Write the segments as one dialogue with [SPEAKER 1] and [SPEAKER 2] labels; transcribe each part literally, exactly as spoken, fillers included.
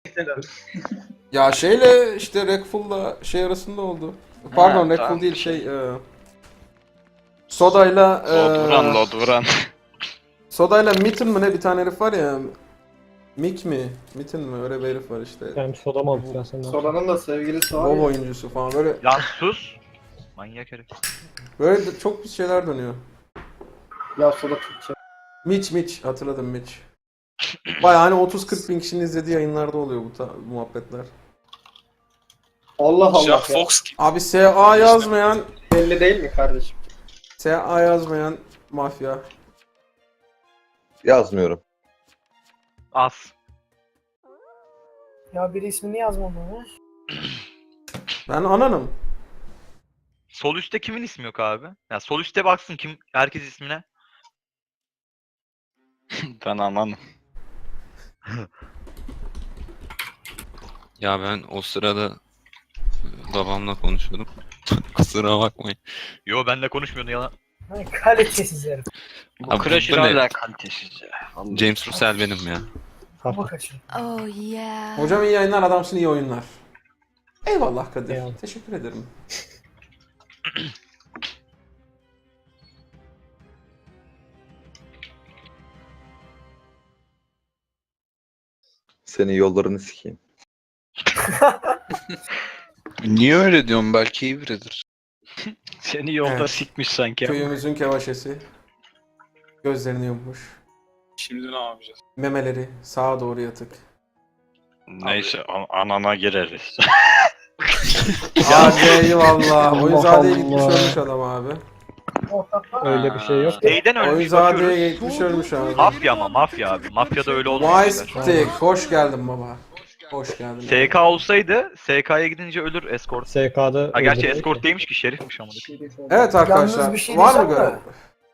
[SPEAKER 1] Ya şeyle işte Rekful'la şey arasında oldu. Pardon
[SPEAKER 2] Ha,
[SPEAKER 1] Rekful
[SPEAKER 2] tamam.
[SPEAKER 1] değil şey e, Soda'yla e,
[SPEAKER 2] Lodvuran, Lodvuran.
[SPEAKER 1] Soda'yla Mitten mi ne bir tane herif var ya. Mick mi? Mitten mi? Öyle bir herif var işte.
[SPEAKER 3] Yani soda mı aldık ya senden?
[SPEAKER 4] Sola'nın da sevgilisi var
[SPEAKER 1] WoW
[SPEAKER 4] ya.
[SPEAKER 1] oyuncusu falan böyle
[SPEAKER 5] Lan sus. Manyak herif.
[SPEAKER 1] böyle de çok bir şeyler dönüyor.
[SPEAKER 4] Ya Sola Türkçe.
[SPEAKER 1] Mitch Mitch hatırladım Mitch. Baya hani otuz kırk bin kişinin izlediği yayınlarda oluyor bu, ta- bu muhabbetler.
[SPEAKER 4] Allah Allah
[SPEAKER 6] Jack
[SPEAKER 4] ya.
[SPEAKER 6] Fox gibi.
[SPEAKER 1] Abi S A yazmayan
[SPEAKER 4] Belli değil mi kardeşim?
[SPEAKER 1] S A yazmayan mafya.
[SPEAKER 7] Yazmıyorum.
[SPEAKER 5] Az.
[SPEAKER 8] Ya biri ismini yazmadı mı?
[SPEAKER 1] Ben ananım.
[SPEAKER 5] Sol üstte kimin ismi yok abi? Ya sol üstte baksın kim herkes ismine.
[SPEAKER 2] Ben aman.
[SPEAKER 9] Ya ben o sırada babamla konuşuyordum. Kusura bakmayın.
[SPEAKER 5] Yo benle konuşmuyordun yalan.
[SPEAKER 8] Hani kalitesiz herif.
[SPEAKER 2] Bu
[SPEAKER 9] Abi,
[SPEAKER 2] Crusher
[SPEAKER 9] bu ne?
[SPEAKER 2] hala kalitesiz ya. Vallahi.
[SPEAKER 9] James Russell benim ya.
[SPEAKER 8] Kafa kaçır.
[SPEAKER 10] Oh yeah.
[SPEAKER 1] Hocam iyi yayınlar, adamsın, iyi oyunlar. Eyvallah Kadir.
[SPEAKER 3] Eyvallah.
[SPEAKER 1] Teşekkür ederim.
[SPEAKER 7] Senin yollarını sikeyim.
[SPEAKER 2] Niye öyle diyorsun? Belki iyi biridir. Seni yolda
[SPEAKER 1] Evet.
[SPEAKER 2] sikmiş sanki. ama.
[SPEAKER 1] Köyümüzün kevaşesi. Gözlerini yummuş.
[SPEAKER 6] Şimdi ne yapacağız?
[SPEAKER 1] Memeleri sağa doğru yatık.
[SPEAKER 2] Neyse an- anana gireriz.
[SPEAKER 1] Hadi eyvallah. Oyunzade'ye
[SPEAKER 3] Allah
[SPEAKER 1] gitmiş
[SPEAKER 3] Allah.
[SPEAKER 1] ölmüş adam abi.
[SPEAKER 3] Öyle bir şey yok.
[SPEAKER 5] Neyden ölmüş
[SPEAKER 1] Oyunzade'ye
[SPEAKER 5] bakıyoruz.
[SPEAKER 1] gitmiş ölmüş abi.
[SPEAKER 5] Mafya ama mafya abi. Mafyada öyle olmuyor.
[SPEAKER 1] Wise Stick. Hoş geldin baba. Hoş geldin.
[SPEAKER 5] S K olsaydı S K'ya gidince ölür escort.
[SPEAKER 3] S K'da
[SPEAKER 5] Ha gerçi
[SPEAKER 3] öldürüyor
[SPEAKER 5] escort
[SPEAKER 3] ki.
[SPEAKER 5] değilmiş ki şerifmiş ama.
[SPEAKER 1] Evet arkadaşlar.
[SPEAKER 8] Yalnız bir şey
[SPEAKER 1] var mı
[SPEAKER 8] diyeceğim
[SPEAKER 1] görev?
[SPEAKER 8] de.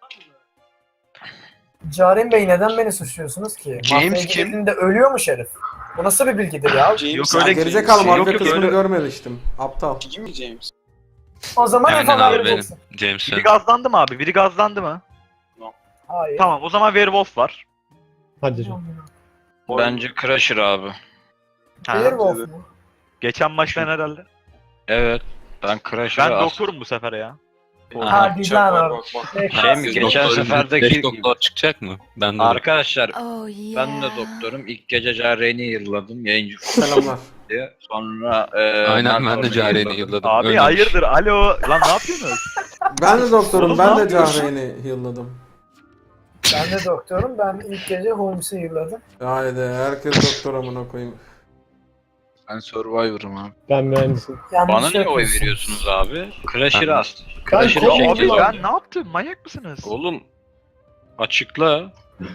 [SPEAKER 8] Caren Bey neden beni suçluyorsunuz ki?
[SPEAKER 2] James
[SPEAKER 8] Mafya
[SPEAKER 2] kim?
[SPEAKER 8] gidildiğinde ölüyormuş herif. Bu nasıl bir bilgidir ya?
[SPEAKER 6] James
[SPEAKER 5] Yok
[SPEAKER 6] sen-
[SPEAKER 5] öyle
[SPEAKER 1] Gerizekalı
[SPEAKER 5] Yok,
[SPEAKER 1] mafya
[SPEAKER 5] yok,
[SPEAKER 1] kısmını
[SPEAKER 5] öyle-
[SPEAKER 1] görmemiştim. Aptal.
[SPEAKER 6] Değil mi James?
[SPEAKER 8] O zaman
[SPEAKER 9] Aynen
[SPEAKER 8] Efe'den
[SPEAKER 9] abi benim.
[SPEAKER 8] vereceksin.
[SPEAKER 9] James
[SPEAKER 5] Biri
[SPEAKER 9] ben.
[SPEAKER 5] gazlandı mı abi? Biri gazlandı mı?
[SPEAKER 8] Hayır.
[SPEAKER 5] Tamam o zaman Werewolf var.
[SPEAKER 3] Hadi canım.
[SPEAKER 2] Bence Crusher abi.
[SPEAKER 5] Ha.
[SPEAKER 8] Werewolf mu?
[SPEAKER 5] Geçen maçtan herhalde.
[SPEAKER 2] Evet. Ben Crusher'ı
[SPEAKER 5] Ben
[SPEAKER 2] as-
[SPEAKER 5] doktorum bu sefer ya.
[SPEAKER 2] Aha.
[SPEAKER 8] Hadi
[SPEAKER 6] Çak,
[SPEAKER 8] lan
[SPEAKER 6] bak,
[SPEAKER 8] abi.
[SPEAKER 6] bak, bak.
[SPEAKER 2] Şey mi?
[SPEAKER 9] Beş
[SPEAKER 2] Geçen
[SPEAKER 9] doktor-
[SPEAKER 2] seferdeki
[SPEAKER 9] beş
[SPEAKER 2] gibi.
[SPEAKER 9] doktor çıkacak mı? Ben de
[SPEAKER 2] Arkadaşlar
[SPEAKER 10] Oh yeah.
[SPEAKER 2] ben de doktorum. İlk gece Jaren'i yırladım yayıncı
[SPEAKER 1] Selamlar.
[SPEAKER 2] diye. Sonra e,
[SPEAKER 9] Aynen ben de
[SPEAKER 2] Nartor'u
[SPEAKER 9] Jaren'i
[SPEAKER 2] yırladım.
[SPEAKER 9] yılladım.
[SPEAKER 5] Abi
[SPEAKER 9] Ölmemiş.
[SPEAKER 5] hayırdır alo. Lan ne yapıyorsunuz?
[SPEAKER 1] Ben de doktorum.
[SPEAKER 5] Oğlum,
[SPEAKER 1] Ben
[SPEAKER 5] ne
[SPEAKER 1] de
[SPEAKER 5] yapıyorsun?
[SPEAKER 1] Cahreyn'i heal'ladım.
[SPEAKER 8] Ben de doktorum. Ben ilk gece Holmes'u yırladım.
[SPEAKER 1] Haydi herkes doktor amına koyayım.
[SPEAKER 2] Ben Survivor'ım abi.
[SPEAKER 3] Ben mühendisim.
[SPEAKER 8] Yanlış
[SPEAKER 2] Bana niye oy
[SPEAKER 8] yapıyorsun.
[SPEAKER 2] veriyorsunuz abi? Crusher'ı
[SPEAKER 9] Ben-
[SPEAKER 2] astım.
[SPEAKER 8] Ben
[SPEAKER 2] Crusher'ı
[SPEAKER 8] kovdum
[SPEAKER 5] Abi
[SPEAKER 2] çekeceğim.
[SPEAKER 5] ben ne yaptım? Manyak mısınız?
[SPEAKER 2] Oğlum açıkla.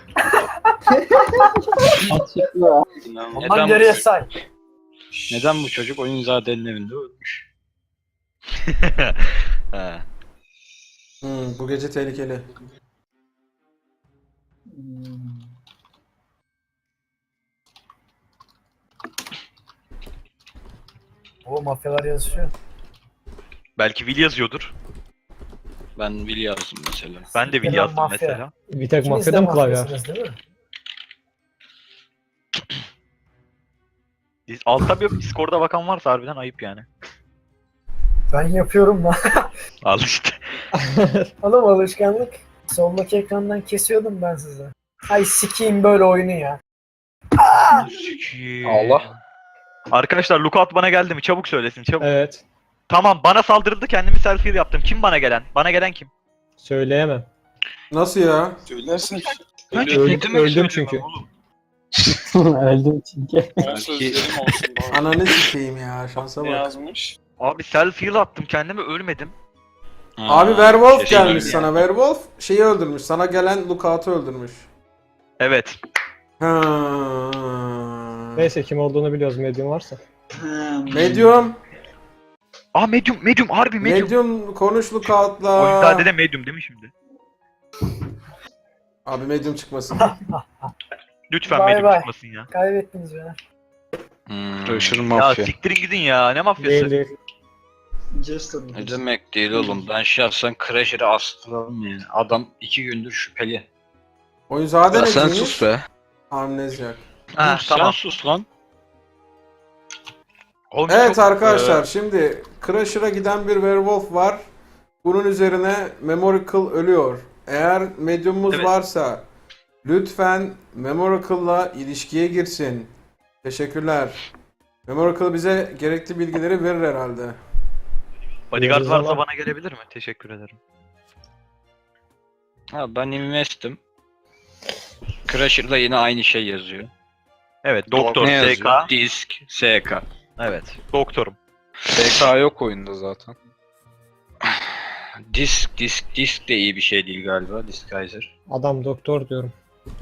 [SPEAKER 8] Ondan
[SPEAKER 2] Neden
[SPEAKER 8] geriye
[SPEAKER 2] bu,
[SPEAKER 8] say.
[SPEAKER 2] neden bu çocuk Oyunzade'nin evinde ölmüş? He.
[SPEAKER 1] Hmm, bu gece tehlikeli.
[SPEAKER 8] O mafyalar yazışıyor.
[SPEAKER 5] Belki Will yazıyordur.
[SPEAKER 2] Ben Will yazdım mesela.
[SPEAKER 5] Ben de Will
[SPEAKER 8] Yalan
[SPEAKER 5] yazdım
[SPEAKER 8] mafya.
[SPEAKER 5] mesela.
[SPEAKER 3] Bir tek
[SPEAKER 8] İkiniz de
[SPEAKER 3] mafyada mı klavye var?
[SPEAKER 8] mafyasınız değil mi?
[SPEAKER 5] Biz- Altta bir Discord'a bakan varsa harbiden ayıp yani.
[SPEAKER 8] Ben yapıyorum lan.
[SPEAKER 5] Al işte.
[SPEAKER 8] Oğlum alışkanlık. Soldaki ekrandan kesiyordum ben size. Ay sikeyim böyle oyunu ya.
[SPEAKER 2] Allah.
[SPEAKER 5] Arkadaşlar lookout bana geldi mi? Çabuk söylesin çabuk.
[SPEAKER 3] Evet.
[SPEAKER 5] Tamam bana saldırıldı kendimi selfie yaptım. Kim bana gelen? Bana gelen kim?
[SPEAKER 3] Söyleyemem.
[SPEAKER 1] Nasıl ya?
[SPEAKER 6] Söylersin.
[SPEAKER 3] Öldüm, öldüm çünkü. Öldüm çünkü.
[SPEAKER 6] On sözlerim olsun. bari.
[SPEAKER 1] Ananı sikeyim ya, şansa
[SPEAKER 6] Ne
[SPEAKER 1] bak.
[SPEAKER 6] yazmış?
[SPEAKER 5] Abi selfie attım kendimi ölmedim.
[SPEAKER 1] Abi Werewolf
[SPEAKER 2] kesin
[SPEAKER 1] gelmiş
[SPEAKER 2] öyle
[SPEAKER 1] sana. Werewolf şeyi öldürmüş. Sana gelen Lookout'u öldürmüş.
[SPEAKER 5] Evet.
[SPEAKER 1] Ha.
[SPEAKER 3] Neyse kim olduğunu biliyoruz medium varsa.
[SPEAKER 1] Medium.
[SPEAKER 5] Aa medium medium harbi medium.
[SPEAKER 1] Medium konuş Lookout'la.
[SPEAKER 5] Oyunzade de medium değil mi şimdi?
[SPEAKER 1] Abi medium çıkmasın.
[SPEAKER 5] Lütfen
[SPEAKER 8] Bay
[SPEAKER 5] medium
[SPEAKER 8] bay.
[SPEAKER 5] çıkmasın ya.
[SPEAKER 8] Kaybettiniz beni.
[SPEAKER 2] Hmm. Crusher
[SPEAKER 5] Ya
[SPEAKER 2] mafya.
[SPEAKER 5] siktirin gidin ya ne mafyası?
[SPEAKER 3] Değil değil.
[SPEAKER 2] Ne demek değil oğlum. Ben şahsen Crusher'ı astıralım yani. Adam iki gündür şüpheli.
[SPEAKER 1] Oyunzade ne
[SPEAKER 2] sen
[SPEAKER 1] diyeyim?
[SPEAKER 2] sus be.
[SPEAKER 1] Amnezyak.
[SPEAKER 5] Ha,
[SPEAKER 2] Dur, sen
[SPEAKER 5] tamam.
[SPEAKER 2] sus lan.
[SPEAKER 5] Holmes
[SPEAKER 1] Evet
[SPEAKER 5] çok,
[SPEAKER 1] arkadaşlar
[SPEAKER 5] e,
[SPEAKER 1] şimdi Crusher'a giden bir werewolf var. Bunun üzerine Memorical ölüyor. Eğer medyumumuz
[SPEAKER 5] Evet.
[SPEAKER 1] varsa lütfen Memorical'la ilişkiye girsin. Teşekkürler. Memorical bize gerekli bilgileri verir herhalde.
[SPEAKER 5] bodyguard
[SPEAKER 3] Yıldız
[SPEAKER 5] varsa
[SPEAKER 3] ama-
[SPEAKER 5] bana gelebilir mi? Teşekkür ederim.
[SPEAKER 2] Ha, ben invest'im. Crusher'da yine aynı şey yazıyor.
[SPEAKER 5] Evet, doktor,
[SPEAKER 2] Ne
[SPEAKER 5] S
[SPEAKER 2] yazıyor?
[SPEAKER 5] K.
[SPEAKER 2] Disk, S K.
[SPEAKER 5] Evet, doktorum.
[SPEAKER 6] S K yok oyunda zaten.
[SPEAKER 2] Disk, disk, disk de iyi bir şey değil galiba. Disguiser.
[SPEAKER 3] Adam doktor diyorum.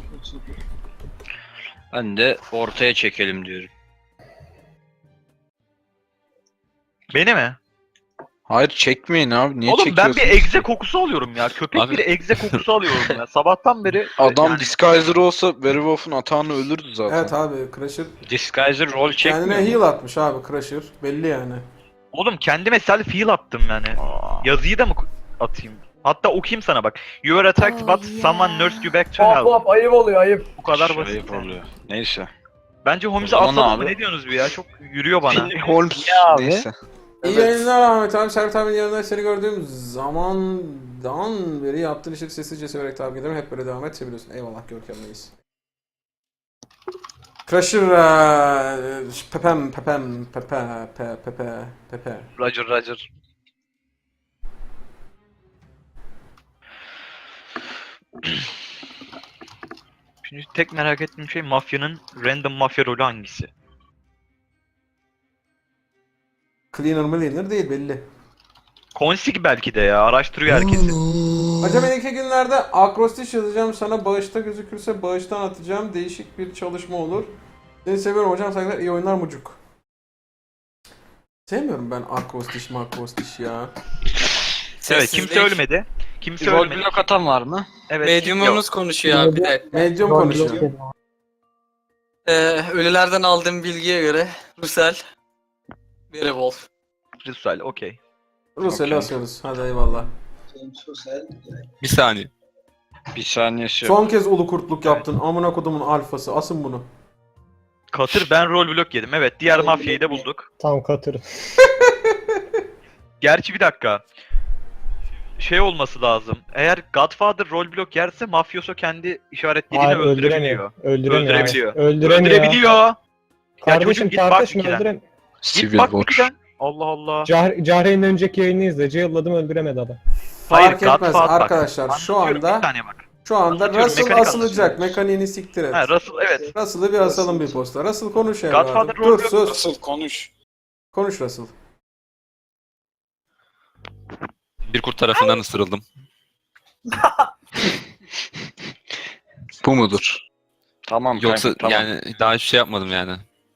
[SPEAKER 2] Ben de ortaya çekelim diyorum.
[SPEAKER 5] Beni mi?
[SPEAKER 6] Hayır çekmeyin abi. Niye
[SPEAKER 5] Oğlum ben bir
[SPEAKER 6] çekiyorsunuz?
[SPEAKER 5] egze kokusu alıyorum ya. Köpek
[SPEAKER 9] Abi-
[SPEAKER 5] bir egze kokusu alıyorum ya. Sabahtan beri
[SPEAKER 6] Adam
[SPEAKER 5] yani
[SPEAKER 6] Disguiser olsa Werewolf'un atağını ölürdü zaten.
[SPEAKER 1] Evet abi Crusher
[SPEAKER 2] Disguiser rol çekmiyor
[SPEAKER 1] kendine
[SPEAKER 2] mu?
[SPEAKER 1] heal atmış abi Crusher. Belli yani.
[SPEAKER 5] oğlum kendime self heal attım yani.
[SPEAKER 2] Aa.
[SPEAKER 5] Yazıyı da mı atayım? Hatta okuyayım sana bak. You were attacked
[SPEAKER 10] Oh,
[SPEAKER 5] but
[SPEAKER 10] yeah.
[SPEAKER 5] someone nursed you back to
[SPEAKER 4] Hop
[SPEAKER 5] health.
[SPEAKER 4] hop ayıp oluyor ayıp.
[SPEAKER 5] Bu kadar
[SPEAKER 2] Şey
[SPEAKER 5] basit. yani.
[SPEAKER 2] oluyor. Neyse.
[SPEAKER 5] Bence Holmes'e
[SPEAKER 2] O zaman
[SPEAKER 5] asalım mı?
[SPEAKER 2] abi-
[SPEAKER 5] Ne diyorsunuz bu ya? Çok yürüyor bana.
[SPEAKER 6] Holmes
[SPEAKER 2] abi.
[SPEAKER 6] neyse.
[SPEAKER 1] İyi
[SPEAKER 6] Evet.
[SPEAKER 1] yayınlar Ahmet abi. Servet abinin yanında seni gördüğüm zamandan beri yaptığın işleri sessizce severek takip ediyorum. Hep böyle devam et. Seviyorsun. Eyvallah görkemliyiz. Crusher eee, pepem pepem pepe pe pepe pepe.
[SPEAKER 5] Roger Roger. Şimdi tek merak ettiğim şey mafyanın random mafya rolü hangisi?
[SPEAKER 1] Cleaner millionaire değil belli.
[SPEAKER 5] Konsig belki de ya. Araştırıyor herkesi.
[SPEAKER 1] Hocam önümüzdeki günlerde akrostiş yazacağım sana. Bağışta gözükürse bağıştan atacağım. Değişik bir çalışma olur. Seni seviyorum hocam. Saygılar. İyi oyunlar mucuk. Sevmiyorum ben akrostiş makrostiş ya.
[SPEAKER 5] Evet, kimse ölmedi. Kimse
[SPEAKER 2] Rol
[SPEAKER 5] ölmedi.
[SPEAKER 2] blok atan var mı?
[SPEAKER 5] Evet.
[SPEAKER 7] Medyumumuz konuşuyor abi bir dakika.
[SPEAKER 1] Medium
[SPEAKER 8] Rol
[SPEAKER 1] konuşuyor.
[SPEAKER 8] blok yedim.
[SPEAKER 7] Ee, ölülerden aldığım bilgiye göre Rusel, Werewolf.
[SPEAKER 5] Ritual, okey.
[SPEAKER 1] Rusya'yı
[SPEAKER 2] Okey.
[SPEAKER 1] asıyoruz. Hadi eyvallah.
[SPEAKER 9] Bir saniye.
[SPEAKER 2] Bir saniyesi yok.
[SPEAKER 1] Son kez ulu kurtluk yaptın. Amına kodumun alfası. Asın bunu.
[SPEAKER 5] Katır ben rol blok yedim. Evet, diğer mafyayı da bulduk.
[SPEAKER 3] Tam katır.
[SPEAKER 5] Gerçi bir dakika. Şey olması lazım. Eğer Godfather rol blok yerse mafyoso kendi işaretleriyle
[SPEAKER 3] Hayır
[SPEAKER 5] öldürebiliyor.
[SPEAKER 3] öldüremiyor. Öldüremiyor.
[SPEAKER 5] Öldürebiliyor.
[SPEAKER 3] Öldüremiyor.
[SPEAKER 5] Öldürebiliyor. Ya çocuğum
[SPEAKER 3] Kardeşim
[SPEAKER 5] git bak
[SPEAKER 3] tartışma
[SPEAKER 5] ikiden.
[SPEAKER 3] öldürem.
[SPEAKER 5] Git
[SPEAKER 6] Civil
[SPEAKER 5] bak
[SPEAKER 6] War.
[SPEAKER 5] ikiden. Allah Allah.
[SPEAKER 3] Cah Cahre'nin önceki yayını izle. Cayılladım öldüremedi adam.
[SPEAKER 5] Hayır,
[SPEAKER 1] Fark etmez
[SPEAKER 5] Godfather bak.
[SPEAKER 1] arkadaşlar. Şu
[SPEAKER 5] Anlatıyorum, bir
[SPEAKER 1] anda
[SPEAKER 5] saniye bak.
[SPEAKER 1] şu anda
[SPEAKER 5] Anlatıyorum,
[SPEAKER 1] Russell
[SPEAKER 5] mekanik
[SPEAKER 1] asılacak.
[SPEAKER 5] anlatıyorum.
[SPEAKER 1] Mekaniğini siktir et.
[SPEAKER 5] Ha Russell evet.
[SPEAKER 1] Russell'ı bir asalım bir posta. Russell konuş evladım.
[SPEAKER 5] Godfather
[SPEAKER 1] Dur
[SPEAKER 5] rol yok.
[SPEAKER 1] sus.
[SPEAKER 6] Nasıl konuş.
[SPEAKER 1] Konuş Russell.
[SPEAKER 9] Bir kurt tarafından ısırıldım.
[SPEAKER 6] Bu mudur?
[SPEAKER 2] Tamam
[SPEAKER 9] Yoksa
[SPEAKER 2] kanka, tamam.
[SPEAKER 9] yani daha hiçbir şey yapmadım yani.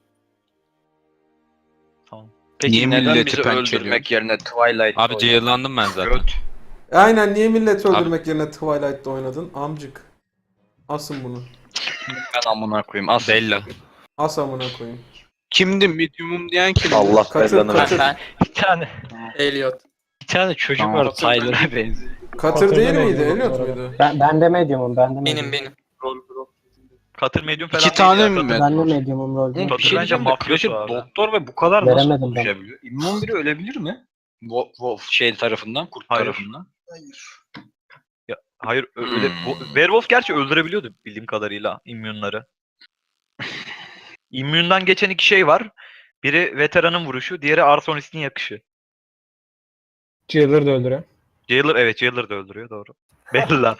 [SPEAKER 2] Peki
[SPEAKER 6] Niye
[SPEAKER 2] neden
[SPEAKER 6] milleti
[SPEAKER 2] bizi
[SPEAKER 6] pençeliyor?
[SPEAKER 2] öldürmek yerine Twilight
[SPEAKER 9] Abi cayırlandım ben zaten.
[SPEAKER 2] Göt.
[SPEAKER 1] Aynen niye milleti öldürmek yerine Twilight'ta oynadın? Amcık. Asın bunu.
[SPEAKER 2] Ben amına koyayım. As.
[SPEAKER 9] Bella.
[SPEAKER 1] As amına koyayım.
[SPEAKER 6] Kimdi? Medium'um diyen kim?
[SPEAKER 11] Allah
[SPEAKER 1] Katır
[SPEAKER 11] belanı
[SPEAKER 1] katır.
[SPEAKER 7] Ben
[SPEAKER 5] Bir tane.
[SPEAKER 7] Elliot.
[SPEAKER 2] Bir tane çocuk
[SPEAKER 6] Tamam.
[SPEAKER 2] var Tyler'a benziyor.
[SPEAKER 1] Katır
[SPEAKER 3] Katır
[SPEAKER 1] değil
[SPEAKER 3] demedim
[SPEAKER 1] miydi?
[SPEAKER 3] bu
[SPEAKER 1] Elliot
[SPEAKER 3] arada.
[SPEAKER 1] muydu?
[SPEAKER 8] Ben, ben de medyumum. Ben de medyumum.
[SPEAKER 7] Benim benim.
[SPEAKER 5] Katır medium falan
[SPEAKER 6] İki
[SPEAKER 5] değil
[SPEAKER 6] tane
[SPEAKER 5] ya.
[SPEAKER 6] mi
[SPEAKER 5] Katır-
[SPEAKER 6] ben?
[SPEAKER 8] Ben de medyumum rol.
[SPEAKER 2] Oğlum,
[SPEAKER 5] Katır
[SPEAKER 2] bir şey
[SPEAKER 5] bence
[SPEAKER 2] diyeceğim de
[SPEAKER 5] mafyosu
[SPEAKER 2] Crusher
[SPEAKER 5] abi.
[SPEAKER 2] doktor ve bu kadar nasıl
[SPEAKER 8] Veremedim ben.
[SPEAKER 2] konuşabiliyor? İmmun biri ölebilir mi? Wolf, Wolf şey tarafından, kurt
[SPEAKER 5] Hayır.
[SPEAKER 2] tarafından.
[SPEAKER 5] Hayır ö- öyle.
[SPEAKER 2] Hmm.
[SPEAKER 5] Bu- Werewolf gerçi öldürebiliyordu bildiğim kadarıyla immünları. İmmünden geçen iki şey var. Biri veteranın vuruşu, diğeri Arsonis'in yakışı.
[SPEAKER 3] Jailer da öldürüyor.
[SPEAKER 5] Jailer evet Jailer da öldürüyor doğru. Bella.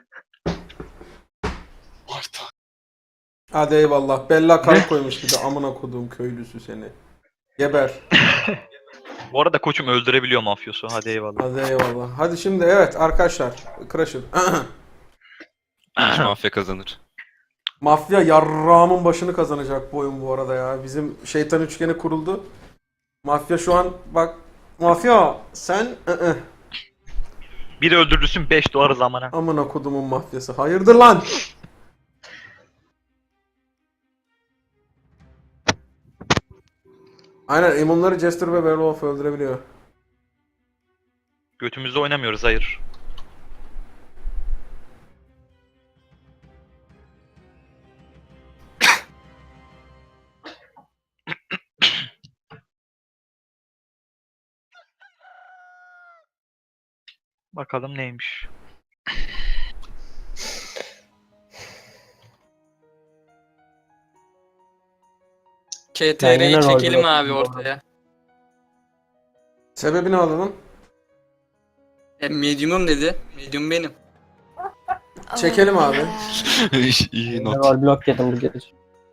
[SPEAKER 6] Marta.
[SPEAKER 1] Hadi eyvallah. Bella kalp koymuş bir de amına koduğum köylüsü seni. Geber.
[SPEAKER 5] Bu arada koçum öldürebiliyor mafyosu. Hadi eyvallah.
[SPEAKER 1] Hadi eyvallah. Hadi şimdi evet arkadaşlar. Crusher.
[SPEAKER 9] Hiç mafya kazanır.
[SPEAKER 1] Mafya yarrağımın başını kazanacak bu oyun bu arada ya. Bizim şeytan üçgeni kuruldu. Mafya şu an bak. Mafya sen ı-ı.
[SPEAKER 5] Biri öldürürsün beş dolar zamana.
[SPEAKER 1] Amına kodumun mafyası. Hayırdır lan? Aynen imunları Jester ve Werewolf öldürebiliyor.
[SPEAKER 5] Götümüzde oynamıyoruz hayır. Bakalım neymiş.
[SPEAKER 7] K
[SPEAKER 3] Ben
[SPEAKER 7] T R'yi
[SPEAKER 3] yine rol
[SPEAKER 7] çekelim
[SPEAKER 3] blok
[SPEAKER 7] abi
[SPEAKER 3] yapıyorum.
[SPEAKER 7] ortaya.
[SPEAKER 1] Sebebini alalım.
[SPEAKER 7] E, medium'um dedi. Medium benim.
[SPEAKER 1] Çekelim abi.
[SPEAKER 9] İyi
[SPEAKER 3] Ben
[SPEAKER 9] not.
[SPEAKER 3] rol blok yedim bu gece.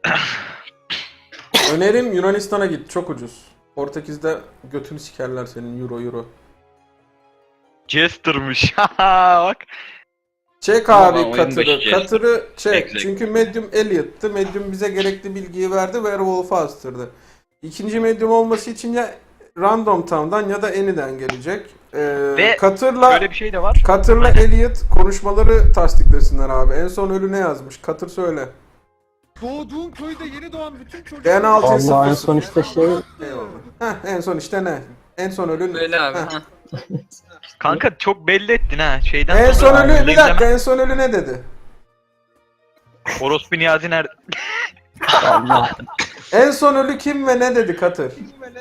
[SPEAKER 1] Önerim Yunanistan'a git. Çok ucuz. Portekiz'de götünü sikerler senin euro euro.
[SPEAKER 5] Jester'mış. Bak.
[SPEAKER 1] Çek
[SPEAKER 2] Ama
[SPEAKER 1] abi
[SPEAKER 2] oyun
[SPEAKER 1] Katır'ı.
[SPEAKER 2] başı
[SPEAKER 1] Katır'ı çek.
[SPEAKER 2] Exact.
[SPEAKER 1] Çünkü Medium Elliot'tı. Medium bize gerekli bilgiyi verdi. Werewolf'u astırdı. İkinci Medium olması için ya Random Town'dan ya da Any'den gelecek. Ee,
[SPEAKER 5] Ve
[SPEAKER 1] Katır'la
[SPEAKER 5] Böyle bir şey de var.
[SPEAKER 1] Katır'la Elliot konuşmaları tasdiklesinler abi. En son ölü ne yazmış? Katır söyle.
[SPEAKER 11] Doğduğun köyde yeni doğan bütün çocuklar...
[SPEAKER 1] En altı
[SPEAKER 3] Allah en son işte şey
[SPEAKER 1] Eyvallah. Heh, en son işte ne? En son ölü
[SPEAKER 7] Böyle abi.
[SPEAKER 1] Heh.
[SPEAKER 7] Ha.
[SPEAKER 5] Kanka çok belli ettin ha. Şeyden
[SPEAKER 1] En son
[SPEAKER 5] sonra-
[SPEAKER 1] ölü bir dakika en son ölü ne dedi?
[SPEAKER 5] Orospu Niyazi nerede?
[SPEAKER 3] Allah.
[SPEAKER 1] En son ölü kim ve ne dedi Katır?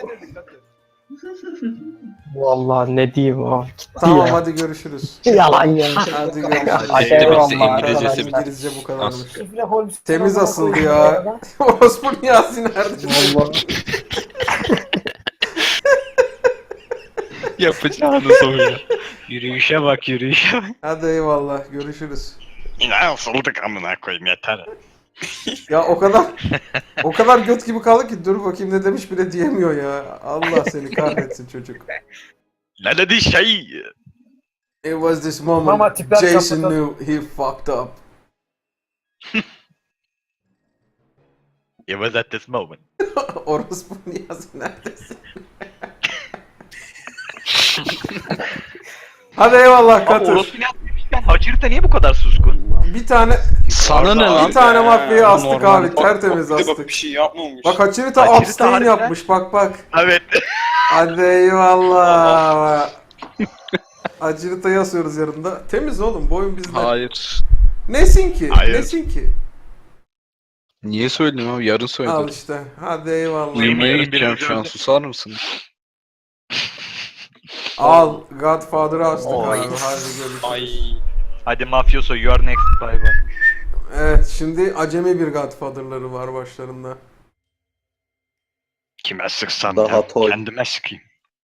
[SPEAKER 3] Vallahi ne diyeyim o. Gitti
[SPEAKER 1] Tamam
[SPEAKER 3] ya.
[SPEAKER 1] hadi görüşürüz.
[SPEAKER 3] Yalan ya.
[SPEAKER 1] Hadi görüşürüz.
[SPEAKER 3] Hadi
[SPEAKER 9] Eyvallah
[SPEAKER 3] eyvallah
[SPEAKER 9] İngilizcesi
[SPEAKER 3] arkadaşlar.
[SPEAKER 9] bitti.
[SPEAKER 1] İngilizce bu kadarmış.
[SPEAKER 8] Şifre Holmes.
[SPEAKER 1] Temiz
[SPEAKER 8] Amına
[SPEAKER 1] asıldı
[SPEAKER 8] koyayım
[SPEAKER 1] ya.
[SPEAKER 8] bu arada.
[SPEAKER 1] Orospu Niyazi nerede?
[SPEAKER 3] Vallahi.
[SPEAKER 9] Yapacağını soruyor.
[SPEAKER 2] Yürüyüşe bak yürüyüşe bak.
[SPEAKER 1] Hadi eyvallah görüşürüz.
[SPEAKER 2] Yine ısıldık amına koyayım yeter.
[SPEAKER 1] Ya o kadar o kadar göt gibi kaldı ki dur bakayım ne demiş bile diyemiyor ya. Allah seni kahretsin çocuk.
[SPEAKER 5] Ne dedi şey?
[SPEAKER 1] It was this moment
[SPEAKER 8] Mama tipler
[SPEAKER 1] Jason
[SPEAKER 8] kapatalım.
[SPEAKER 1] knew he fucked up.
[SPEAKER 5] It was at this moment.
[SPEAKER 1] Orospu Niyazi neredesin? Hadi eyvallah
[SPEAKER 5] Ama
[SPEAKER 1] Katır.
[SPEAKER 5] Orospu Niyazi demişken Hacırita niye bu kadar suskun?
[SPEAKER 1] Bir tane
[SPEAKER 6] Sana ne lan?
[SPEAKER 1] bir tane mafyayı astık
[SPEAKER 6] normal.
[SPEAKER 1] abi tertemiz
[SPEAKER 6] Bak, bir de bak
[SPEAKER 1] astık.
[SPEAKER 6] bir şey yapmamış.
[SPEAKER 1] Bak Hachirita
[SPEAKER 5] Hachirita
[SPEAKER 1] abstain
[SPEAKER 5] harbiden-
[SPEAKER 1] yapmış bak bak.
[SPEAKER 5] Evet.
[SPEAKER 1] Hadi eyvallah. Hachirita'yı asıyoruz yanında. Temiz oğlum bu oyun bizde.
[SPEAKER 6] Hayır.
[SPEAKER 1] Nesin ki?
[SPEAKER 2] Hayır.
[SPEAKER 1] Nesin ki?
[SPEAKER 6] Niye söyledin abi? Yarın
[SPEAKER 1] Al
[SPEAKER 6] söyledim.
[SPEAKER 1] işte. Hadi eyvallah.
[SPEAKER 6] Uyumaya
[SPEAKER 5] Yemin
[SPEAKER 6] gideceğim
[SPEAKER 5] ederim
[SPEAKER 6] şu an.
[SPEAKER 5] öyle.
[SPEAKER 6] Susar mısın?
[SPEAKER 1] Al. Godfather'ı astık
[SPEAKER 7] Oy.
[SPEAKER 1] abi. Hadi görüşürüz.
[SPEAKER 5] Hadi mafyoso you are next bye bye.
[SPEAKER 1] Evet şimdi acemi bir Godfather'ları var başlarında.
[SPEAKER 2] Kime sıksam
[SPEAKER 11] Daha
[SPEAKER 2] ya
[SPEAKER 11] toy.
[SPEAKER 2] kendime sıkayım.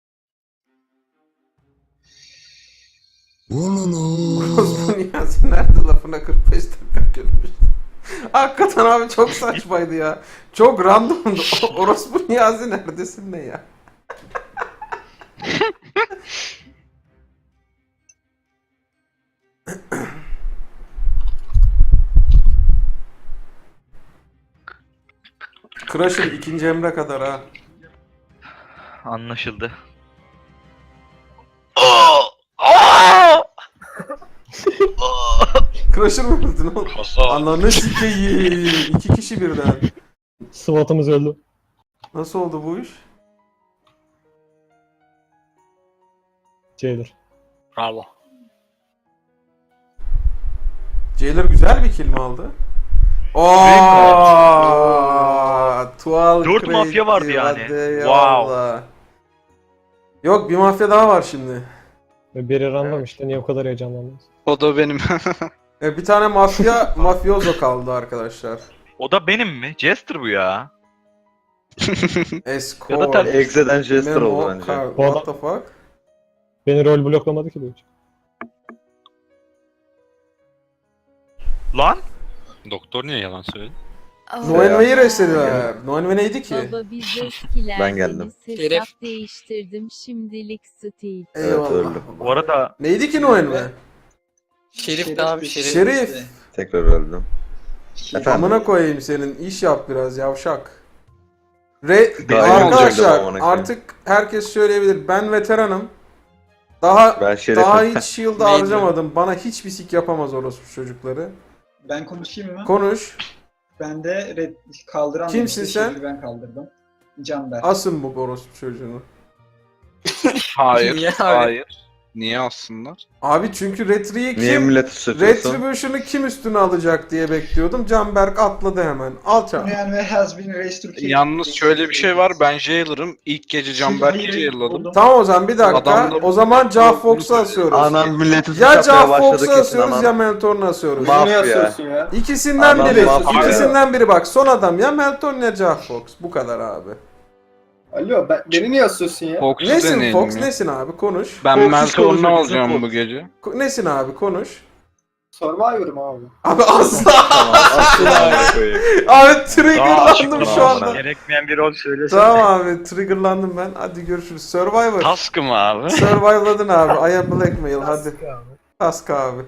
[SPEAKER 1] Orospu Niyazi nerede lafına kırk beş dakika görmüş. Hakikaten abi çok saçmaydı ya. Çok randomdu. O- Orospu Niyazi neredesin ne ya? Crusher ikinci emre kadar ha.
[SPEAKER 5] Anlaşıldı.
[SPEAKER 1] Crusher mı öldün oğlum?
[SPEAKER 2] Kasa.
[SPEAKER 1] Ananı sikeyim. İki kişi birden.
[SPEAKER 3] SWAT'ımız öldü.
[SPEAKER 1] Nasıl oldu bu iş?
[SPEAKER 3] Jailer.
[SPEAKER 7] Bravo.
[SPEAKER 1] Jailer güzel bir kill mi aldı? Ooo, Tuval
[SPEAKER 5] Dört
[SPEAKER 1] Crazy,
[SPEAKER 5] mafya vardı yani.
[SPEAKER 1] hadi
[SPEAKER 5] Wow.
[SPEAKER 1] eyvallah. Yok bir mafya daha var şimdi.
[SPEAKER 3] Ve biri random işte niye o kadar heyecanlandınız?
[SPEAKER 6] O da benim.
[SPEAKER 1] E, bir tane mafya mafyozo kaldı arkadaşlar.
[SPEAKER 5] O da benim mi? Jester bu ya.
[SPEAKER 1] Escort.
[SPEAKER 5] Ya da ter-
[SPEAKER 11] Exe'den Jester
[SPEAKER 1] Memo,
[SPEAKER 11] oldu bence.
[SPEAKER 1] Car-
[SPEAKER 3] Bu
[SPEAKER 1] What the fuck?
[SPEAKER 3] Beni rol bloklamadı ki bu hiç.
[SPEAKER 5] Lan?
[SPEAKER 9] Doktor niye yalan söyledi?
[SPEAKER 1] Noenve'yi restlediler. Noenve neydi ki?
[SPEAKER 10] Baba biz eskiler
[SPEAKER 11] Ben geldim.
[SPEAKER 10] dedi, hesap değiştirdim şimdilik Steve.
[SPEAKER 1] Eyvallah.
[SPEAKER 11] öldüm.
[SPEAKER 5] Bu arada
[SPEAKER 1] Neydi ki Noenve?
[SPEAKER 7] Şerif de abi şerif.
[SPEAKER 1] Şerif.
[SPEAKER 11] Tekrar öldüm. Efendim?
[SPEAKER 1] Amına koyayım senin. İş yap biraz yavşak. Re
[SPEAKER 11] Daha iyi olacaktı
[SPEAKER 1] arkadaşlar
[SPEAKER 11] amına koyayım.
[SPEAKER 1] artık herkes söyleyebilir. Ben veteranım. Daha
[SPEAKER 11] Ben şerefim.
[SPEAKER 1] daha hiç shield'ı
[SPEAKER 7] Neydi?
[SPEAKER 1] harcamadım. Bana hiçbir sik yapamaz orospu çocukları.
[SPEAKER 4] Ben konuşayım mı?
[SPEAKER 1] Konuş.
[SPEAKER 4] Ben de red kaldıran
[SPEAKER 1] Kimsin
[SPEAKER 4] demişti,
[SPEAKER 1] sen?
[SPEAKER 4] şimdi ben kaldırdım. Canber.
[SPEAKER 1] Asın bu orospu çocuğunu.
[SPEAKER 6] Hayır.
[SPEAKER 7] Niye abi?
[SPEAKER 6] Hayır. Niye aslında?
[SPEAKER 1] Abi çünkü Retri'yi
[SPEAKER 11] Niye
[SPEAKER 1] kim...
[SPEAKER 11] milleti suçluyorsun?
[SPEAKER 1] Retribution'u kim üstüne alacak diye bekliyordum. Canberk atladı hemen. Al çal.
[SPEAKER 4] Yani ve has been raised to kill.
[SPEAKER 6] Yalnız şöyle bir şey var. Ben Jailer'ım. İlk gece Canberk'i Jailer'ladım.
[SPEAKER 1] Tamam o zaman bir dakika.
[SPEAKER 6] Adamlar-
[SPEAKER 1] O zaman Jah Fox'u asıyoruz.
[SPEAKER 11] Anam milleti
[SPEAKER 1] Ya
[SPEAKER 11] suçlamaya
[SPEAKER 1] Jah
[SPEAKER 11] başladı
[SPEAKER 1] Fox'u
[SPEAKER 11] kesin
[SPEAKER 1] asıyoruz
[SPEAKER 11] anam.
[SPEAKER 1] ya Meltorn'u asıyoruz.
[SPEAKER 11] Mafya.
[SPEAKER 1] İkisinden
[SPEAKER 11] Adam
[SPEAKER 1] biri.
[SPEAKER 11] mafya.
[SPEAKER 1] İkisinden biri bak. Son adam ya Meltorn ya Jah Fox. Bu kadar abi.
[SPEAKER 11] Alo ben, beni niye asıyorsun ya?
[SPEAKER 6] Fox'u
[SPEAKER 1] Nesin
[SPEAKER 6] deneyelim
[SPEAKER 1] Fox?
[SPEAKER 6] ya.
[SPEAKER 1] Nesin abi? Konuş.
[SPEAKER 6] Ben
[SPEAKER 11] Fox'u
[SPEAKER 6] Meltorn'u
[SPEAKER 11] konuşuyor,
[SPEAKER 6] alacağım
[SPEAKER 11] bizim
[SPEAKER 6] bu
[SPEAKER 11] Fox.
[SPEAKER 6] gece.
[SPEAKER 1] Ko- Nesin abi? Konuş.
[SPEAKER 11] Survivor'ım abi.
[SPEAKER 1] Abi asla.
[SPEAKER 11] Asla koyayım.
[SPEAKER 1] Abi triggerlandım şu anda.
[SPEAKER 5] Gerekmeyen bir rol söylesene.
[SPEAKER 1] Tamam abi triggerlandım ben. Hadi görüşürüz. Survivor.
[SPEAKER 2] Task'ı mı abi?
[SPEAKER 1] Survivor'ladın abi. I am blackmail hadi.
[SPEAKER 8] Task abi.
[SPEAKER 1] Task abi.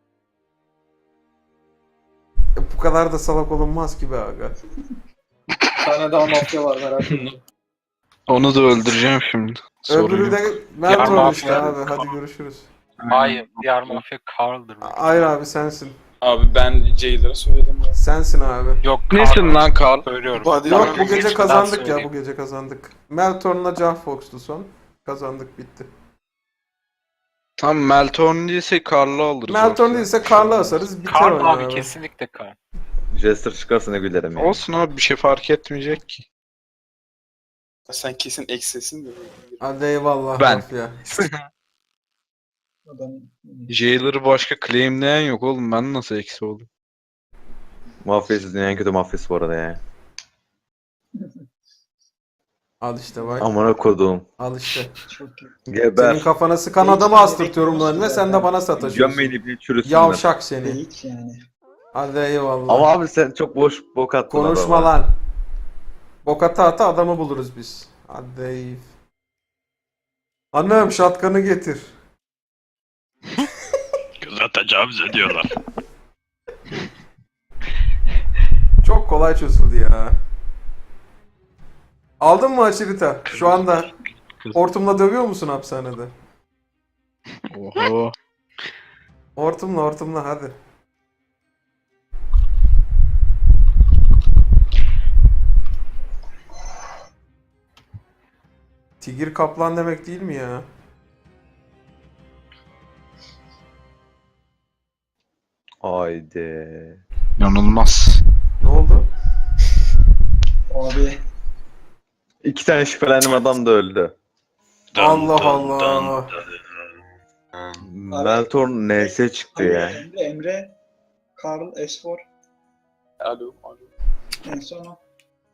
[SPEAKER 1] E, bu kadar da salak olunmaz ki be aga.
[SPEAKER 11] Bir tane daha mafya var merak etme.
[SPEAKER 6] Onu da öldüreceğim şimdi. Sorun
[SPEAKER 1] Öbürü
[SPEAKER 6] yok.
[SPEAKER 1] de Meltorn
[SPEAKER 2] mafya-
[SPEAKER 1] işte abi. Hadi görüşürüz.
[SPEAKER 2] Hayır, diğer mafya Carl'dır.
[SPEAKER 1] Hayır abi sensin.
[SPEAKER 11] Abi ben Jailer'a söyledim ya.
[SPEAKER 1] Sensin abi.
[SPEAKER 2] Yok,
[SPEAKER 6] Nesin lan Carl?
[SPEAKER 2] Söylüyorum.
[SPEAKER 1] Yok bu gece
[SPEAKER 2] Ben
[SPEAKER 1] kazandık ya
[SPEAKER 2] söyleyeyim.
[SPEAKER 1] bu gece kazandık. Meltorn'la Jah Fox'tu son. Kazandık bitti.
[SPEAKER 6] Tam Meltorn değilse Carl'ı alırız.
[SPEAKER 1] Meltorn
[SPEAKER 6] yoksa.
[SPEAKER 1] değilse Karl'ı asarız biter
[SPEAKER 2] Carl
[SPEAKER 1] oyun
[SPEAKER 2] abi,
[SPEAKER 1] abi.
[SPEAKER 2] kesinlikle Carl.
[SPEAKER 11] Jester çıkarsa ne gülerim ya.
[SPEAKER 6] Olsun abi bir şey fark etmeyecek ki.
[SPEAKER 11] Sen kesin eksisin de.
[SPEAKER 1] Hadi eyvallah
[SPEAKER 6] Ben.
[SPEAKER 1] mafya.
[SPEAKER 4] Adam...
[SPEAKER 6] Jailer'ı başka claimleyen yok oğlum. Ben nasıl eksi oldum?
[SPEAKER 11] Mafyası dünyanın en kötü mafyası bu arada ya.
[SPEAKER 1] Al işte bak.
[SPEAKER 11] Amına koduğum.
[SPEAKER 1] Al işte.
[SPEAKER 4] Çok iyi.
[SPEAKER 1] Senin
[SPEAKER 11] Geber.
[SPEAKER 1] kafana sıkan adamı astırtıyorum lan ve sen de bana sataşıyorsun.
[SPEAKER 11] Gömmeyi bir çürüsün.
[SPEAKER 1] Yavşak seni.
[SPEAKER 4] Hiç yani.
[SPEAKER 1] Hadi eyvallah.
[SPEAKER 11] Ama abi sen çok boş bok attın
[SPEAKER 1] Konuşma
[SPEAKER 11] adama.
[SPEAKER 1] lan. Bokata ata adamı buluruz biz. Hadi eyv. Annem şatkanı getir.
[SPEAKER 2] Kıza tecavüz ediyorlar.
[SPEAKER 1] Çok kolay çözüldü ya. Aldın mı Açirita? Şu anda hortumla dövüyor musun hapishanede?
[SPEAKER 6] Oho.
[SPEAKER 1] Hortumla hortumla hadi. Tigir kaplan demek değil mi ya?
[SPEAKER 11] Haydi.
[SPEAKER 6] İnanılmaz.
[SPEAKER 1] Ne oldu?
[SPEAKER 4] Abi.
[SPEAKER 11] İki tane şüphelendiğim adam da öldü.
[SPEAKER 1] Allah Allah.
[SPEAKER 11] Meltorn N S çıktı
[SPEAKER 4] Abi,
[SPEAKER 11] ya.
[SPEAKER 4] Emre, Emre, Karl, Esfor.
[SPEAKER 11] Alo, alo.
[SPEAKER 4] En son o.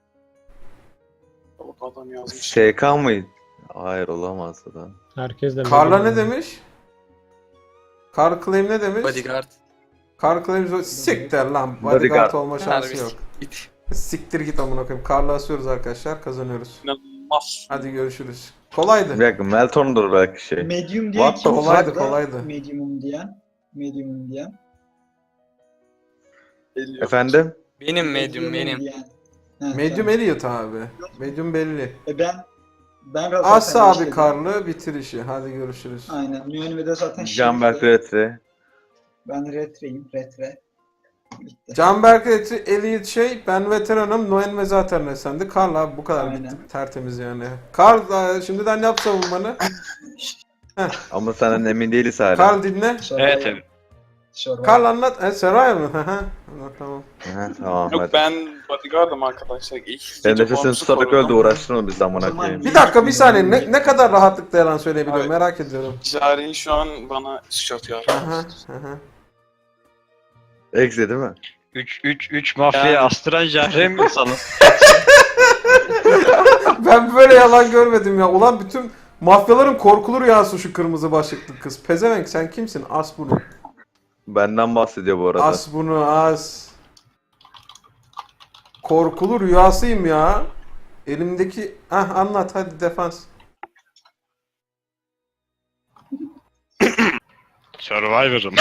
[SPEAKER 11] Adam yazmış. S K mıydı? Hayır olamaz da.
[SPEAKER 3] Herkes de
[SPEAKER 1] Karla
[SPEAKER 3] Medium
[SPEAKER 1] ne
[SPEAKER 3] oynuyor.
[SPEAKER 1] demiş? Kar claim ne demiş?
[SPEAKER 7] Bodyguard.
[SPEAKER 1] Kar claim siktir lan.
[SPEAKER 11] Bodyguard.
[SPEAKER 1] Bodyguard olma şansı
[SPEAKER 7] Harbi
[SPEAKER 1] yok.
[SPEAKER 7] git.
[SPEAKER 1] Siktir git amına koyayım. Karla asıyoruz arkadaşlar. Kazanıyoruz.
[SPEAKER 11] İnanılmaz.
[SPEAKER 1] Hadi görüşürüz. Kolaydı.
[SPEAKER 11] Bir dakika Meltorn'dur belki şey.
[SPEAKER 4] Medium diyen
[SPEAKER 11] What the
[SPEAKER 4] kim?
[SPEAKER 1] kolaydı,
[SPEAKER 4] vardı?
[SPEAKER 1] kolaydı.
[SPEAKER 4] Medium'um diyen. Medium'um diyen.
[SPEAKER 11] Efendim?
[SPEAKER 7] Benim medium
[SPEAKER 4] Medium'um
[SPEAKER 7] benim.
[SPEAKER 4] diyen. Ha,
[SPEAKER 1] Medium
[SPEAKER 4] tamam.
[SPEAKER 1] Elliot abi. Medium belli.
[SPEAKER 4] E ben ben zaten
[SPEAKER 1] As abi
[SPEAKER 4] işledim.
[SPEAKER 1] Karlı bitir işi. Hadi görüşürüz.
[SPEAKER 4] Aynen. Mühenime zaten
[SPEAKER 11] Canberk
[SPEAKER 4] şerifti.
[SPEAKER 11] Retri.
[SPEAKER 4] Ben retreyim. Retre. Bitti.
[SPEAKER 1] Canberk Elliot, Elliot şey, ben veteranım. Noen ve zaten Esen'di. Karl abi bu kadar
[SPEAKER 4] Aynen.
[SPEAKER 1] bitti. Tertemiz yani. Karl e, şimdiden yap savunmanı.
[SPEAKER 11] Ama senden emin değiliz hala.
[SPEAKER 1] Karl dinle.
[SPEAKER 4] Survivor.
[SPEAKER 2] Evet evet.
[SPEAKER 4] Survivor.
[SPEAKER 1] Karl anlat. E, Seray mı? Hı hı. Anlat, tamam.
[SPEAKER 11] Aha, tamam
[SPEAKER 12] Yok
[SPEAKER 11] hadi.
[SPEAKER 12] ben bodyguard'ım arkadaşlar. İlk
[SPEAKER 11] Ben nefesini tutarak öldü uğraştırma biz amına
[SPEAKER 4] zaman
[SPEAKER 11] koyayım.
[SPEAKER 1] Bir dakika bir saniye. Ne, ne kadar rahatlıkla yalan söyleyebiliyorum
[SPEAKER 12] Evet.
[SPEAKER 1] merak ediyorum.
[SPEAKER 12] Cari şu an bana suç atıyor.
[SPEAKER 1] Aha, aha.
[SPEAKER 11] Exe değil mi?
[SPEAKER 2] üç üç üç mafyayı
[SPEAKER 12] Yani.
[SPEAKER 2] astıran Jahre mi sanın?
[SPEAKER 1] Ben böyle yalan görmedim ya. Ulan bütün mafyaların korkulu rüyası şu kırmızı başlıklı kız. Pezevenk sen kimsin? As bunu.
[SPEAKER 11] Benden bahsediyor bu arada.
[SPEAKER 1] As bunu as. Korkulu rüyasıyım ya. Elimdeki... Hah anlat hadi defans.
[SPEAKER 5] Survivor'ım.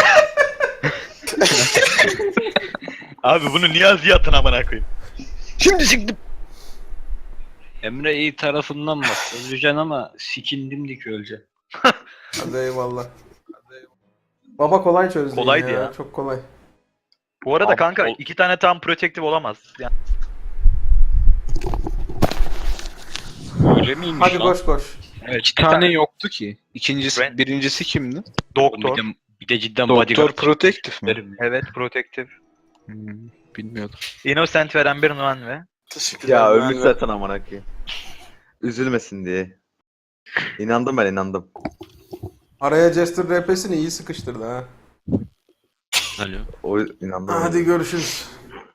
[SPEAKER 5] Abi bunu Niyazi'ye atın amına koyayım. Şimdi çıktım.
[SPEAKER 2] Emre iyi tarafından bak. Öleceksin ama sikin dimdik öleceksin.
[SPEAKER 1] Hadi eyvallah. Baba kolay çözdü.
[SPEAKER 5] Kolaydı
[SPEAKER 1] ya.
[SPEAKER 5] ya.
[SPEAKER 1] Çok kolay.
[SPEAKER 5] Bu arada
[SPEAKER 2] Abi,
[SPEAKER 5] kanka
[SPEAKER 2] ol-
[SPEAKER 5] iki tane tam protective olamaz. Yani
[SPEAKER 2] Öyle miymiş
[SPEAKER 1] Hadi
[SPEAKER 2] lan?
[SPEAKER 1] koş koş.
[SPEAKER 2] Evet,
[SPEAKER 6] İki
[SPEAKER 2] bir
[SPEAKER 6] tane yoktu ki. İkincisi,
[SPEAKER 5] Ben-
[SPEAKER 6] birincisi kimdi?
[SPEAKER 2] Bir
[SPEAKER 5] Doktor.
[SPEAKER 2] de, bir de cidden
[SPEAKER 6] Doktor
[SPEAKER 2] bodyguard.
[SPEAKER 6] Protective mi?
[SPEAKER 2] Verim.
[SPEAKER 5] Evet, Protective.
[SPEAKER 6] Hmm, bilmiyordum.
[SPEAKER 5] Innocent veren bir Nuan ve
[SPEAKER 12] Teşekkürler.
[SPEAKER 11] Ya
[SPEAKER 12] ben
[SPEAKER 11] ölmüş
[SPEAKER 12] de-
[SPEAKER 11] zaten amına koyayım. Üzülmesin diye. İnandım ben inandım.
[SPEAKER 1] Araya Jester R P'sini iyi sıkıştırdı ha.
[SPEAKER 9] Alo.
[SPEAKER 11] O inandım.
[SPEAKER 1] Hadi görüşürüz.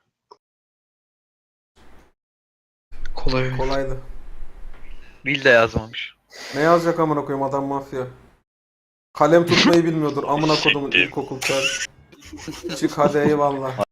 [SPEAKER 6] Kolay.
[SPEAKER 1] Kolaydı.
[SPEAKER 5] Will de yazmamış.
[SPEAKER 1] Ne yazacak amına koyayım adam mafya. Kalem tutmayı bilmiyordur amına kodumun ilkokul kör. Çık hadi eyvallah.